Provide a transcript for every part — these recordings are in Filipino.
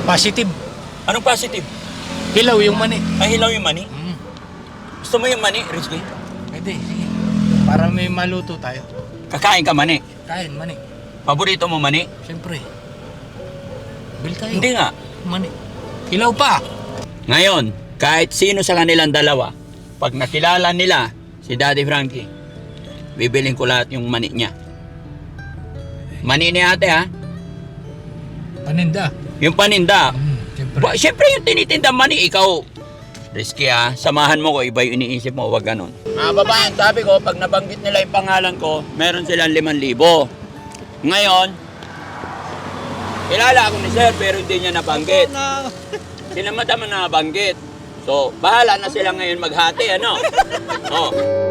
Positive. Anong positive? Hilaw yung mani. Ay, hilaw yung mani? Mm. Gusto mo yung mani, Rizky? Pwede, sige. Para may maluto tayo. Kakain ka mani? Kain, mani. Paborito mo mani? Siyempre. Bil tayo. Hindi nga. Mani. Hilaw pa. Ngayon, kahit sino sa kanilang dalawa, pag nakilala nila si Daddy Frankie, bibiling ko lahat yung mani niya. Mani ni ate ha? Paninda. Yung paninda. Siyempre. Siyempre yung tinitinda mani, ikaw. Risky ha, samahan mo ko, iba yung iniisip mo, wag ganun. Mga babaeng, sabi ko, pag nabanggit nila yung pangalan ko, meron silang 5,000. Ngayon, kilala ako ni sir, pero hindi niya nabanggit. Sila madama na nabanggit. So, bahala na sila ngayon maghati, ano? Oh.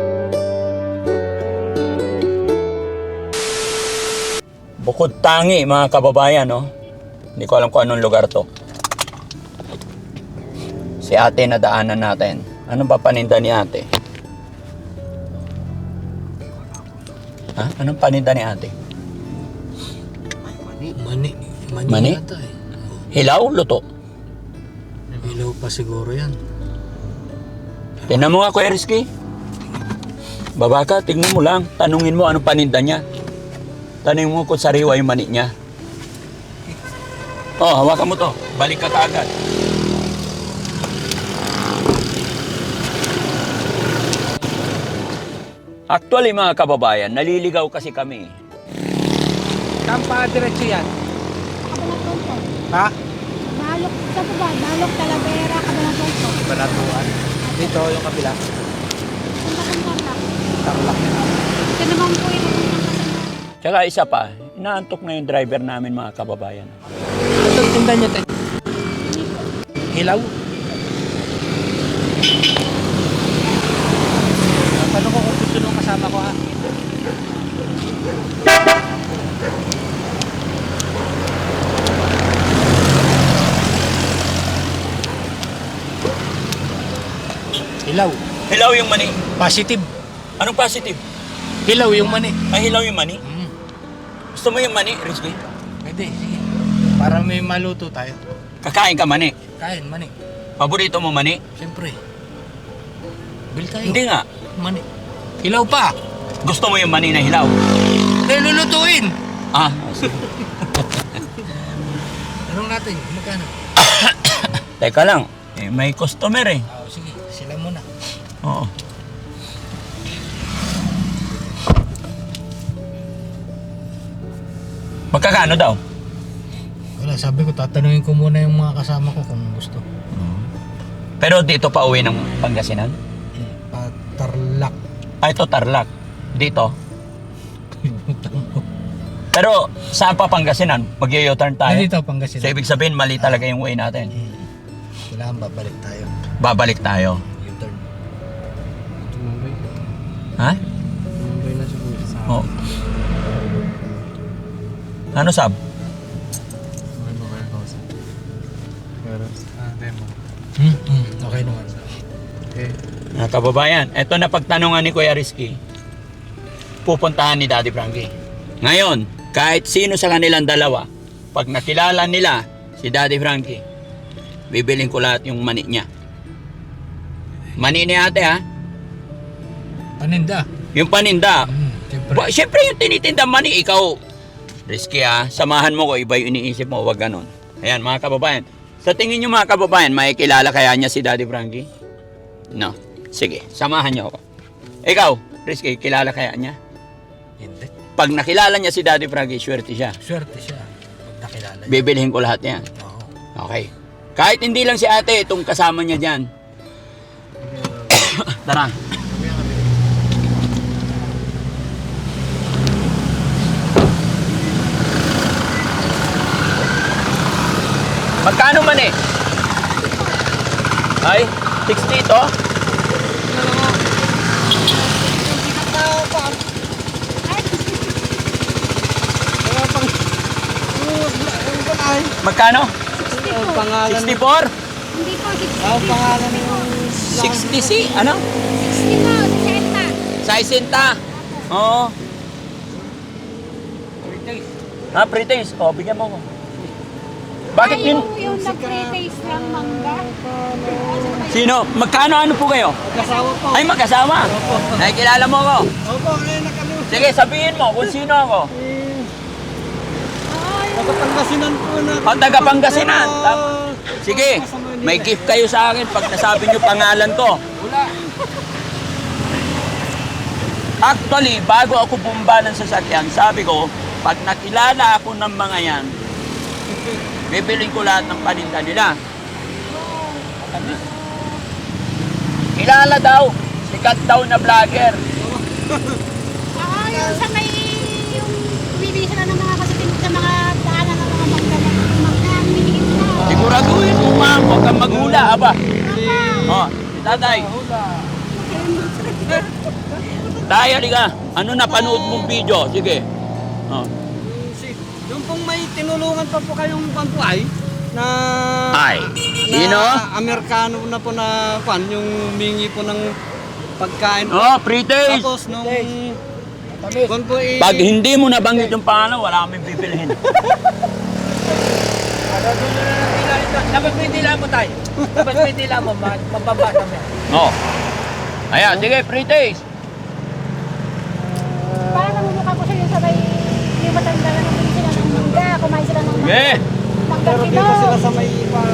Bukod Tangi, mga kababayan, no? Hindi ko alam kung anong lugar to. Si ate na daanan natin. Ano ba paninda ni ate? Ha? Anong paninda ni ate? Mani. Mani? Yata eh. Hilaw, luto. Hilaw pa siguro yan. Tingnan mo nga, Kuya Rizky. Baba ka, tingnan mo lang. Tanungin mo anong paninda niya. Tanungin mo kung sariwa yung mani niya. Oh, hawakan mo to. Balik ka kaagad. Actually, mga kababayan, naliligaw kasi kami. Kampa diretso yan. Kabanatuan po. Ha? Nalok, sa ba? Nalok, Talavera, Kabanatuan po. Banatuan. Dito yung kabila. Punta kong Tarlac. Tarlac. Ito naman po yung kasama. Tsaka isa pa, inaantok na yung driver namin, mga kababayan. Ito tinda niya tayo. Hilaw. Paano ko kung gusto nung kasama ko ha? Hilaw. Hilaw yung mani. Positive. Anong positive? Hilaw yung mani. Ay, hilaw yung mani? Mm. Gusto mo yung mani, Rizky? Pwede, sige. Para may maluto tayo. Kakain ka mani? Kain, mani. Paborito mo mani? Siyempre. Bil tayo. Hindi nga. Mani. Hilaw pa. Gusto mo yung mani na hilaw? Dahil lulutuin. Ah, Tanong natin, magkano? teka lang. Eh, may customer eh. Oh, sige, sila muna. Oo. Magkakano daw? Wala, sabi ko, tatanungin ko muna yung mga kasama ko kung gusto. Pero dito pa uwi ng Pangasinan? Patarlak. Ah, ito Tarlac. Dito. Pero saan pa Pangasinan? Mag-u-turn tayo? Dito, Pangasinan. So ibig sabihin mali talaga yung way natin. Kailangan babalik tayo. Babalik tayo. U-turn. Ha? Mumbai na siguro sa Oo. Ano sab? Okay naman. Mga kababayan, eto na pagtanungan ni Kuya Rizky. Pupuntahan ni Daddy Frankie. Ngayon, kahit sino sa kanilang dalawa, pag nakilala nila si Daddy Frankie, bibiling ko lahat yung mani niya. Mani ni ate ha? Paninda. Yung paninda. Siyempre. Siyempre yung tinitinda mani, ikaw. Risky ha, samahan mo ko, iba yung iniisip mo, wag ganon. Ayan mga kababayan. Sa tingin nyo mga kababayan, may kilala kaya niya si Daddy Frankie? No. Sige, samahan niyo ako. Ikaw, Risky, kilala kaya niya? Hindi. Pag nakilala niya si Daddy Frankie, swerte siya. Swerte siya. Pag nakilala niya. Bibilhin ko lahat yan. Oo. Okay. Kahit hindi lang si ate, itong kasama niya dyan. Tara. Magkano man eh? Ay, 60 ito? Magkano? 64? Hindi po, 60. Ang pangalan ng 60 si? Ano? 60 po, 60. Sa isinta? Oo. Ha, pre-taste. O, bigyan mo ko. Bakit yun? Yung nag-pre-taste lang mangga. Sino? Magkano ano po kayo? Kasawa po. Ay, mag-asawa. Ay, kilala mo ako. Opo, ngayon nakalimutan. Sige, sabihin mo kung sino ako. Nakapangasinan po na. Ang taga Pangasinan. Ah, Sige, may gift kayo sa akin pag nasabi niyo pangalan ko. Actually, bago ako bumba ng sasakyan, sabi ko, pag nakilala ako ng mga yan, bibiling ko lahat ng paninda nila. Kilala daw, sikat daw na vlogger. Yung sa may, yung bibili sila ng mga kasutin sa mga daanan ng mga mangga, binigyan sila. Siguraduhin mo ma'am, huwag kang maghula, aba. Oh, tatay. Tay, halika. Ano na panood mong video? Sige. Oh. Yung pong may tinulungan pa po kayong pampuay na Ay, sino? Na Amerikano na po na pan yung mingi po ng pagkain. Oh, pre-taste. Tapos nung kung po Pag hindi mo nabanggit yung pangalan, wala kaming bibilihin. Dapat may dila mo tayo. Dapat may dila mo, mababasa mo. Oh. Ayan, sige, pre-taste. Parang namumukha ko sila sa may, yung matanda na nabili sila ng mangga, kumain sila ng mangga. Sige. Mangga pero kilo. dito sila sa may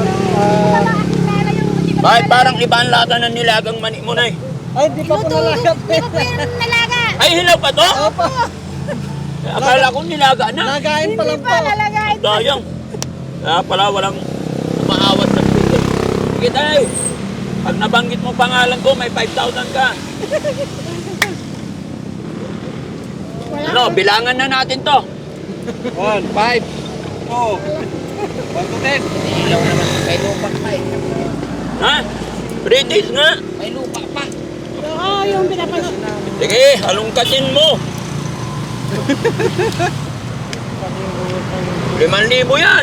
Bakit parang iba ang lata ng nilagang mani mo na eh? ay di pa po nalagap. Hindi ko po yung nalaga. Ay, hilaw pa to? Opo. Akala ko nilaga na. Nagain pa lang Hindi po. pa lalagain. Sayang. Kaya pala walang umaawat ng pre-taste. Sige tayo. Pag nabanggit mo pangalan ko, may 5,000 ka. Ano, bilangan na natin to. 1, 5, 2, 1 to 10. Ilaw naman, may lupa pa eh. Ha? Pre-taste nga. May lupa pa. Oo, yung pinapanood. Sige, halongkatin mo. 5,000 yan.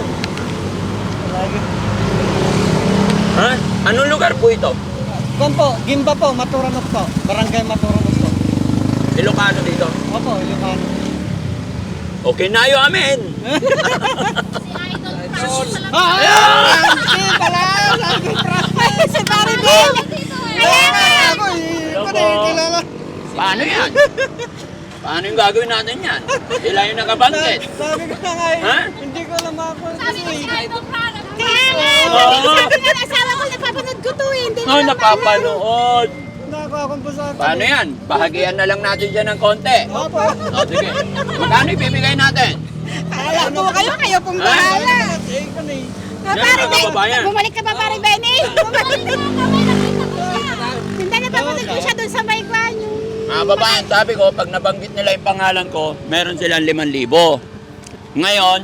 Ha? Anong lugar po ito? Kung po, Gimba po, Maturanok po. Barangay Maturanok po. Ilocano dito. Opo, yung ano. Okay na yun, amen. Si Pare Bill! Ako, Hello hindi po. kilala. Paano yan? Paano yung gagawin natin yan? Sila yung nakabanggit. Sabi ko na nga eh, Ha? hindi ko alam ako. Sabi ko Kasi, si Idol Product. Kaya nga, Oo. sabi nga ng asawa ko, napapanood ko to eh. Hindi Oh, napapanood. nakakakon po sa akin. Paano yan? Bahagian na lang natin dyan ng konti. Opo. O, sige. Magkano ibibigay natin? Kaya po kayo pong Ha? bahala. Eh, ko na eh. Yan, Pare mga kababayan. bumalik ka pa Pare Benny. Bumalik ka pa. Hindi napapanood ko siya doon sa may kwan. Mga babayan, sabi ko, pag nabanggit nila yung pangalan ko, meron silang 5,000. Ngayon,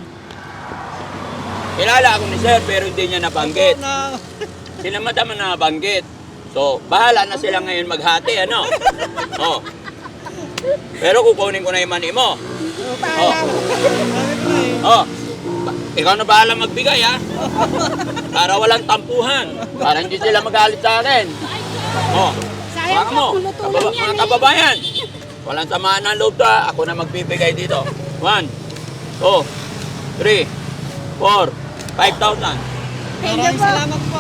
kilala ako ni Sir, pero hindi niya nabanggit. Na, Sila madam na nabanggit. So, bahala na sila ngayon maghati, ano? Oh. Pero kukunin ko na yung money mo. Oh. sabi ko na eh. Oh. Ikaw na bahala magbigay, ha? Para walang tampuhan. Para hindi sila magalit sa akin. Oh. Sayang Baka mo, po, kulutulan yan mga eh. kababayan. Walang samaan ng loob ta. Ako na magbibigay dito. 1, 2, 3, 4, 5,000. Thank you Maraming po. salamat po.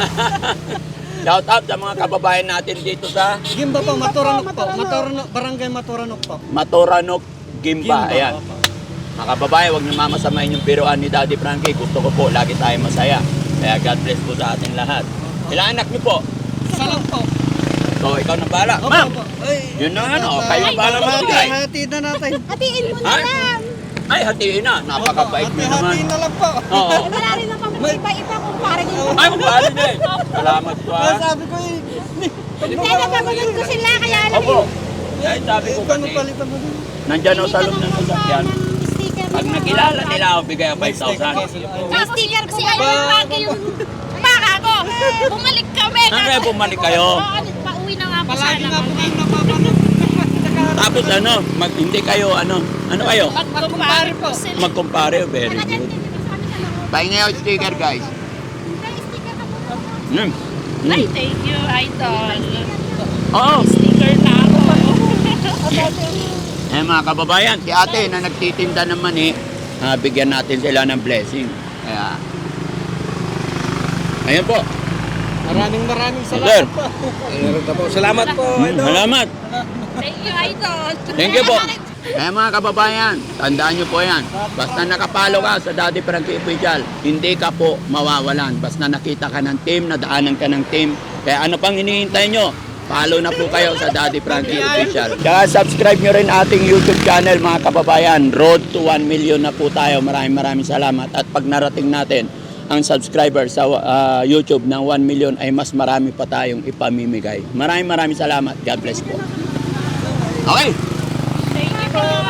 Shout out sa mga kababayan natin dito sa Gimba po, Maturanok po. Maturanok. Maturanok, Barangay Maturanok po. Matoranok, Gimba. Ayan. opo. Mga kababayan, huwag niyo mamasamain yung biruan ni Daddy Frankie. Gusto ko po, lagi tayo masaya. Kaya God bless po sa ating lahat. Ilang anak niyo po? Isa lang po. So, ikaw na bahala. Opo, Ma'am, opo. Ay, yun na ano, kayo na bahala magbigay. hati na natin. Hatiin mo na Ha? lang. Ay, hatiin na. Napakabait mo naman. Hati na lang po. Oo. Eh, wala rin naman iba-iba kung pare din. Ay, kumbahala din. Salamat po, ha. Sabi ko eh. Hindi, napapanood ko sila, kaya alam Opo. Ay, sabi ko Ikaw kasi, palitan mo din. nandyan o sa loob ng sasakyan. Pag nakilala nila ako, bigay ako 5,000. May sticker po Kasi ba? ayaw lagi yung baka ko. Bumalik kami. Ano kaya bumalik kayo? Oo, pauwi na nga po Palagi sana nga po kami. kayo napapanood. Tapos ano, hindi kayo, ano kayo? Magkumpare po sila. Magkumpare, very good. Pahinga yung sticker, guys. Ay, thank you, idol. Oo. Sticker na ako. Eh mga kababayan, si ate na nagtitinda ng mani, bigyan natin sila ng blessing. Kaya, Ayan po. Maraming Sir. salamat po. Salamat po. Salamat. Thank you, Idol. Thank you po. Kaya mga kababayan, tandaan nyo po yan. Basta nakapalo ka sa Daddy Frankie Official, hindi ka po mawawalan. Basta nakita ka ng team, nadaanan ka ng team. Kaya ano pang hinihintay nyo? Follow na po kayo sa Daddy Frankie Official. Kaya subscribe nyo rin ating YouTube channel mga kababayan. Road to 1 million na po tayo. Maraming salamat. At pag narating natin ang subscriber sa YouTube ng 1 million ay mas marami pa tayong ipamimigay. Maraming salamat. God bless po. Okay. Thank you po.